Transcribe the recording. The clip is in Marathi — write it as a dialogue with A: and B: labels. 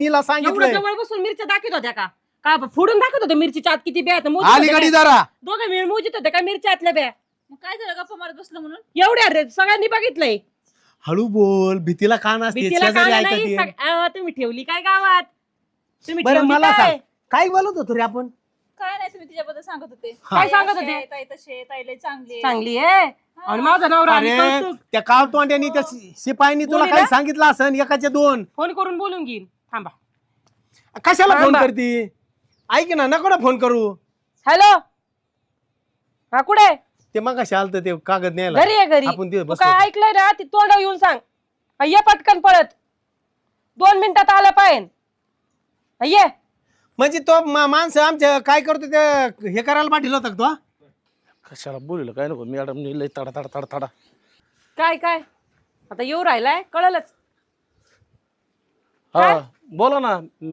A: तिला
B: एवढं
A: सांगितलं
B: जवळ बसून मिरच्या दाखवत होत्या का का फोडून दाखवत होते मिरचीच्या आत किती ब्या
A: अलीकडे जरा
B: दोघं मिळून मोजित होते का मिरच्या आतल्या ब्या
C: मग काय झालं गप्पा मारत बसलं म्हणून?
B: एवढ्या रे सगळ्यांनी बघितलंय.
A: हळू बोल भीतीला कान असते
B: भीतीला
A: शेजारी
B: कान नाही.
A: ऐकते.
B: तुम्ही ठेवली काय गावात? तुम्ही
A: बरं
B: ठेवली
A: मला
B: काय?
A: सांग काय बोलत होतो रे आपण
C: काय नाही तुम्ही तिच्याबद्दल सांगत होते.
B: काय सांगत होते?
C: ताई तसे ताई लय चांगली आहे.
B: चांगली आहे आणि माझा नवरा आणि
A: अरे
B: कौतुक.
A: त्या काळ तोंड्यानी त्या शिपायांनी तुला
B: बोलीला?
A: काही सांगितलं असन एकाचे दोन
B: फोन करून बोलून घेईन. थांबा.
A: कशाला फोन
B: थांबा.
A: करती ऐक ना नको ना फोन करू
B: हॅलो हा कुठे
A: ते मग कशा आलत ते कागद न्यायला
B: घरी आहे घरी.
A: आपण तिथे
B: तू
A: बसलो
B: काय
A: होतो.
B: ऐकलंय ना ती तोंड येऊन सांग. हा, ये पटकन पळत 2 मिनिटात आलं पाहिजे. हा, ये
A: म्हणजे तो माणसं आमच्या काय करतो ते हे करायला पाठील होता का तो
D: कशाला बोललं काय नको मॅडम लय तडा तडा तडा तडा
B: काय काय आता येऊ राहिलाय कळलंच.
D: हा बोला ना